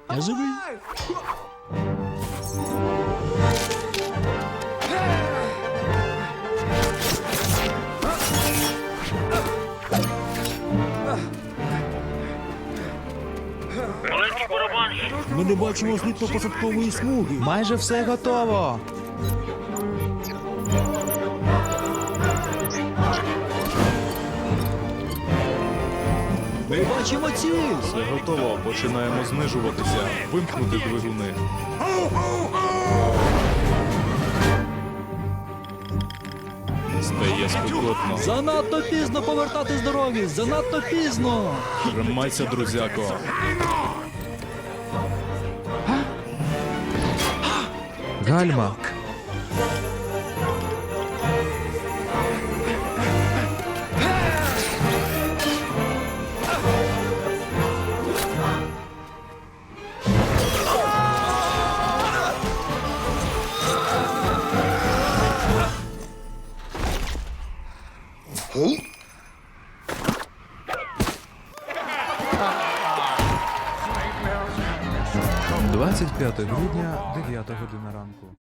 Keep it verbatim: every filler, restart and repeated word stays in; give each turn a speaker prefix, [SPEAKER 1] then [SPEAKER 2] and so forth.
[SPEAKER 1] Я живий.
[SPEAKER 2] Маленький барабанщик.
[SPEAKER 1] Ми не бачимо злітно-посадкової смуги.
[SPEAKER 3] Майже все готово.
[SPEAKER 1] Ми бачимо ціль.
[SPEAKER 4] Все готово, починаємо знижуватися. Вимкнути двигуни. Стає спекотно.
[SPEAKER 1] Занадто пізно повертати з дороги. Занадто пізно.
[SPEAKER 4] Тримайся, друзяко.
[SPEAKER 3] Гальма. двадцять п'яте грудня, дев'ята година ранку.